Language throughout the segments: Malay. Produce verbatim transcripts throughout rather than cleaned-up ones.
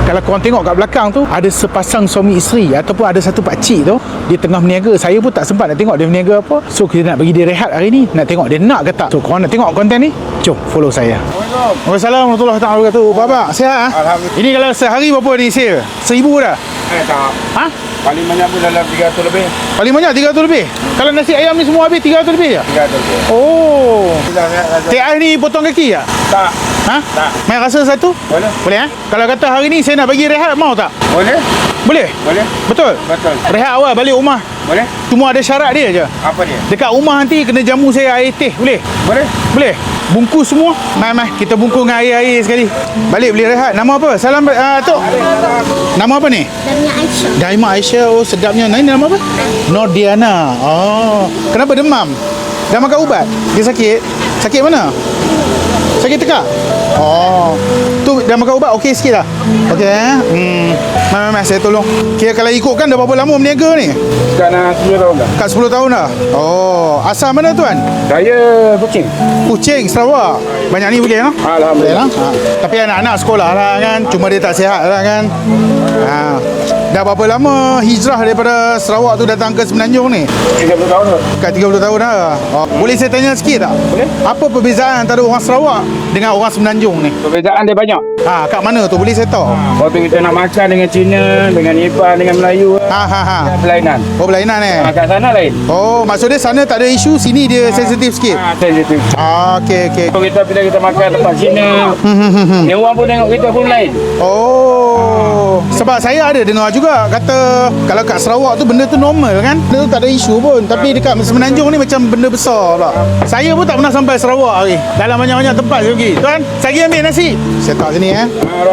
Kalau korang tengok kat belakang tu, ada sepasang suami isteri ataupun ada satu pakcik tu, dia tengah berniaga. Saya pun tak sempat nak tengok dia berniaga apa. So kita nak bagi dia rehat hari ni, nak tengok dia nak ke tak. So korang nak tengok konten ni, jom follow saya. Waalaikumsalam warahmatullahi wabarakatuh. Bapak sihat ah? Alhamdulillah. Ini kalau sehari berapa ni sale? Seribu dah? Eh tak. Ha? Paling banyak pun dalam tiga ratus lebih. Paling banyak tiga ratus lebih? Kalau nasi ayam ni semua habis tiga ratus lebih je? tiga ratus lebih. Oh. Tak. Teh ais ni potong kaki tak? Tak. Ha? Tak. Main rasa satu? Boleh. Boleh eh? Kalau kata hari ni saya nak bagi rehat, mau tak? Boleh? Boleh? Boleh. Betul? Betul. Rehat awal balik rumah. Boleh? Cuma ada syarat dia je. Apa dia? Dekat rumah nanti kena jamu saya air teh, boleh? Boleh? Boleh? Bungkus semua. Mai mai kita bungkus dengan air-air sekali. Balik boleh rehat. Nama apa? Salam uh, Tok. Nama apa ni? Damia Aisyah. Daima Aisyah. Oh sedapnya. Nah, ini nama apa? Nordiana. Oh. Kenapa demam? Dah makan ubat? Dia sakit? Sakit mana? Sakit tekak? Oh. Tu dah makan ubat okey sikit dah? Okey eh? Hmm. Mai mai mai saya tolong. Kira kalau ikutkan dah berapa lama berniaga ni? Sekarang sepuluh tahun dah. Kat sepuluh tahun dah? Oh. Asal mana tuan? Saya Kuching. Kuching, Sarawak. Banyak ni boleh lah. Alhamdulillah. Ha. Tapi anak-anak sekolah lah kan. Cuma dia tak sihat lah kan. Ha. Dah berapa lama hijrah daripada Sarawak tu datang ke Semenanjung ni? tiga puluh tahun dah. Kat tiga puluh tahun dah. Oh. Boleh saya tanya sikit tak? Boleh. Apa perbezaan antara orang Sarawak dengan orang Semenanjung ni? Perbezaan dia banyak. Ha, kat mana tu? Boleh saya tahu? Waktu kita nak makan dengan Cina, dengan Nepal, dengan Melayu, Ha ha ha. berlainan. Oh berlainan eh? Ha, kat sana lain. Oh maksud dia sana tak ada isu, sini dia sensitif sikit. Ha, sensitif. Ah, okey okey. Kalau kita bila kita makan tempat Cina, ni orang pun tengok kita pun lain. Oh, sebab saya ada dengar juga kata kalau kat Sarawak tu benda tu normal kan, benda tu tak ada isu pun. Tapi dekat Semenanjung ni macam benda besar pula. Saya pun tak pernah sampai Sarawak lagi. Dalam banyak-banyak tempat saya pergi. Tuan, saya pergi ambil nasi. Saya tak sini eh.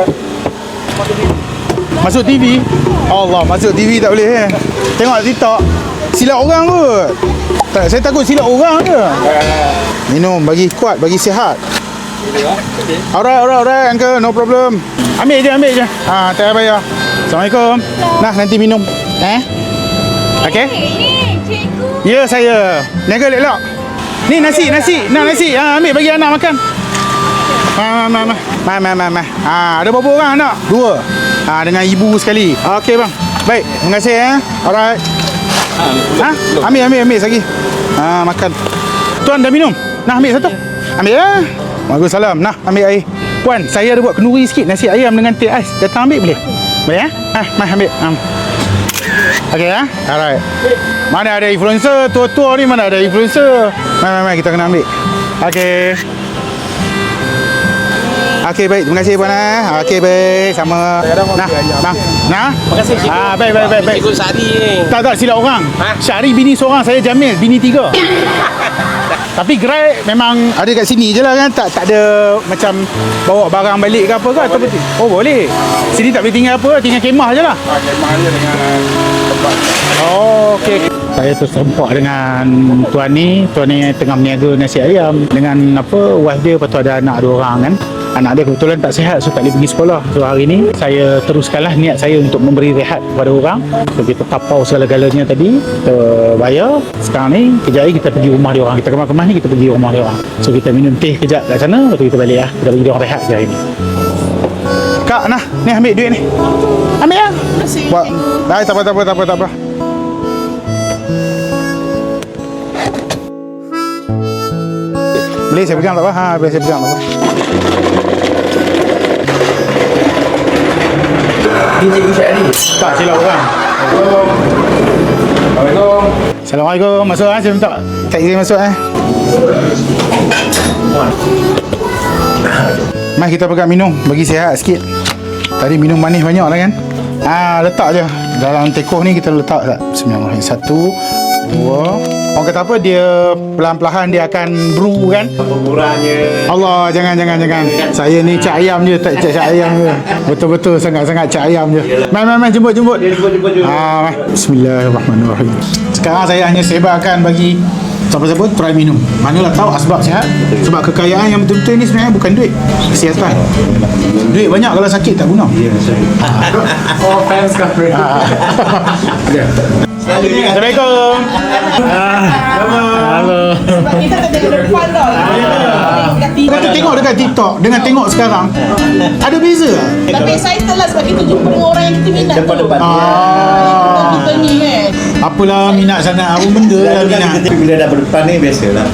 Masuk T V. Allah, masuk T V tak boleh eh. Tengok TikTok. Silap orang kot. Tak, saya takut silap orang je. Minum bagi kuat, bagi sihat. Alright, alright, alright, uncle, no problem. Ambil je, ambil je. Ha, tak payah bayar. Assalamualaikum. Nah, nanti minum. Eh? Okey? Ni, cikgu. Ya, saya. Niaga elok. Ni nasi, nasi. Nak nasi. Ha, ambil bagi anak makan. Ma, ma, ma, ma, ma, ma, ma. Ha, ada berapa orang anak? Dua. Ha, dengan ibu sekali. Okey, bang. Baik, terima kasih eh. Alright. Ha? Ambil, ambil, ambil lagi. Ha, makan. Tuan dah minum? Nah, ambil satu. Ambil ya. Waalaikumsalam. Nah, ambil air. Puan, saya ada buat kenduri sikit nasi ayam dengan teh ais. Datang ambil boleh? Boleh ya? Ha, mai ambil. Ha. Okey ya. Alright. Mana ada influencer tua-tua ni, mana ada influencer. Mai mai mai kita kena ambil. Okey. Okey baik, terima kasih puan eh. Okey baik, sama. Nah, bang. Nah. Terima kasih cikgu. Ah, baik baik baik baik. Cikgu Sari ni. Tak tak silap orang. Ha? Syahri bini seorang, saya Jamil bini tiga. Tapi gerai memang ada kat sini je lah kan. Tak tak ada macam bawa barang balik ke apa ke atau betul? Oh boleh. Sini tak boleh tinggal apa, tinggal kemah je lah. Ha, kemah dia dengan tempat. Oh okey. Saya terserempak dengan tuan ni. Tuan ni tengah berniaga nasi ayam dengan apa wife dia, lepas tu ada anak dua orang kan. Anak dia kebetulan tak sihat, so tak boleh pergi sekolah. So hari ni saya teruskanlah niat saya untuk memberi rehat kepada orang. So kita tapau segala-galanya tadi, kita bayar. Sekarang ni kejap lagi kita pergi rumah dia orang. Kita kemas-kemas ni kita pergi rumah dia orang. So kita minum teh kejap kat sana, lepas tu kita balik lah. Kita bagi dia orang rehat je hari ni. Kak, nah, ni ambil duit ni. Ambil lah. Terima kasih, Buat, cikgu. dah, tak apa, tak apa, tak apa, tak apa. Boleh saya pegang tak apa? Ha, boleh saya pegang tak apa. Ini cikgu Syahri. Tak silap orang. Assalamualaikum. Assalamualaikum. Masuk ah, saya minta tak izin masuk eh. Mai kita pegang minum bagi sihat sikit. Tadi minum manis banyak lah kan. Ah, letak je dalam tekoh ni, kita letak tak. Bismillahirrahmanirrahim. Satu, dua. Orang kata apa, dia perlahan-perlahan dia akan brew kan. Pengurangnya. Allah, jangan jangan jangan. Saya ni cak ayam je, tak cak cak ayam je. Betul-betul sangat-sangat cak ayam je. Mai mai mai jemput jemput. Jemput jemput jemput. Ah, mai. Bismillahirrahmanirrahim. Sekarang saya hanya sebarkan bagi Siapa-siapa try minum. Manalah tahu asbab sihat. Sebab kekayaan yang betul-betul ni sebenarnya bukan duit, kesihatan. Duit banyak kalau sakit tak guna. Oh, fans cover. Assalamualaikum. Halo. Kita tak tengok depan tau. Kau tengok dekat TikTok dengan tengok sekarang ada beza tak? Tapi excited lah sebab kita jumpa dengan orang yang kita minat tu. Depan-depan. Ah. Kita ni kan. Apalah minat sangat, apa benda lah minat. Tapi bila dah berdepan ni biasalah.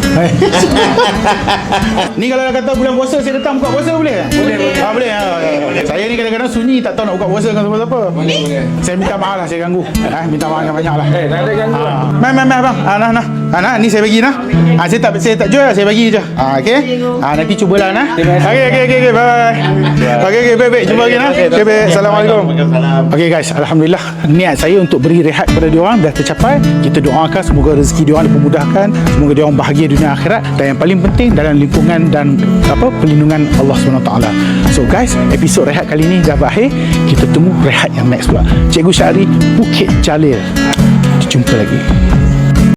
Ni kalau dah kata bulan puasa saya datang buka puasa boleh tak? Boleh, boleh. Ah, boleh. Ah, saya ni kadang-kadang sunyi tak tahu nak buka puasa dengan siapa-siapa. Boleh, boleh. Saya minta maaf lah, saya ganggu. Ah, minta maaf yang banyak lah. Eh, tak ada gangguan. Ah. Mai, mai, mai bang. Ah, nah, nah. Ah, nah, ni saya bagi nah. Ah, saya tak saya tak jual, saya bagi je. Ah, okey. Ah, nanti cubalah nah. Okey, okey, okey, bye bye. Okey, okey, baik, baik. Jumpa lagi nah. Okey, baik. Assalamualaikum. Okey guys, alhamdulillah niat saya untuk beri rehat kepada diorang dah tercapai. Kita doakan semoga rezeki diorang dipermudahkan, semoga diorang bahagia dunia akhirat, dan yang paling penting dalam lingkungan dan apa perlindungan Allah subhanahu wa taala. So guys, episod rehat kali ni dah berakhir. Kita temu rehat yang next pula. Cikgu Syahri, Bukit Jalil. Jumpa lagi.